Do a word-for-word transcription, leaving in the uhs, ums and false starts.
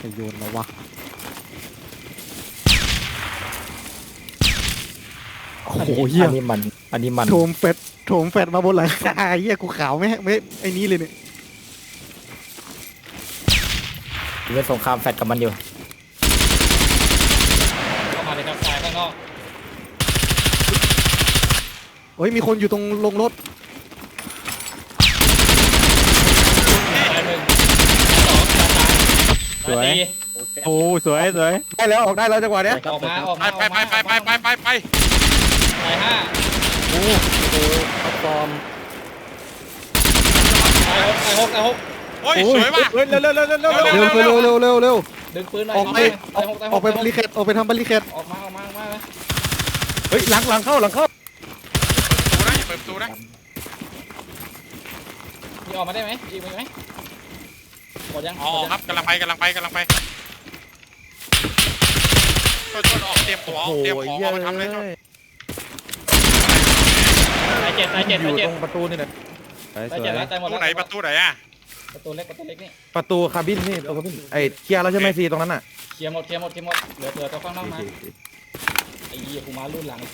จะโยนมาวะโอ้โหเฮียอันนี้มันอันนี้มันโถมแฟดโถมแฟดมาบนหลังคาเฮียกูขาวไหมไม่ไอ้นี้เลยเนี่ยเล่นสงครามแฟดกับมันอยู่เข้ามาเลยครับตายข้างนอกเฮ้ยมีคนอยู่ตรงลงรถตายหนึ่งสองตายสามตายสี่โอ้สวยสวยได้แล้วออกได้แล้วจังหวะเนี้ยออกมาออกไปมาไปไปไปไปไปไปตายห้าโอ้โหท็อปฟอร์มตายหกตายหกตายหกโอ้ยสวยว่ะเฮ้ยเร็วเร็วเร็วเร็วเร็วเร็เร็ววเร็เร็ววเร็เร็ววเร็วเร็วดึงปืนหน่อยออกไปตายหกตายหออกตายหไปบริเคตออกไปทำบริเคตออกมาออกมาออกมาเลยเฮ้ยหลังหลังเข้าหลังเข้าประตูนะอย่าเปิดประตูนะมีออกมาได้ไหมยิงไปไหมหมดยังอ๋อครับกำลังไปกำลังไปกำลังไปต้นต้นออกเตรียมตัวออกเตรียมของออกมาทำเลยต้นตายเจ็ดตายเจ็ดอตายยู่เจ็ดตรงประตูนี่แหละสวยตายสวเจ็ดยแล้วตายหมปดระตูแล้วไหนประตูไหนอ่ะประตูเล็กประตูเล็กนี่ประตูคาบินนี่ตัวคาบินไอ้เคลียร์แล้วใช่ไหมซีตรงนั้นอ่ะเคลียร์หมดเคลียร์หมดเคลียร์หมดเหลือเหลือตัวข้างนอกมาไอ้ยี่กูมารุ่นหลัง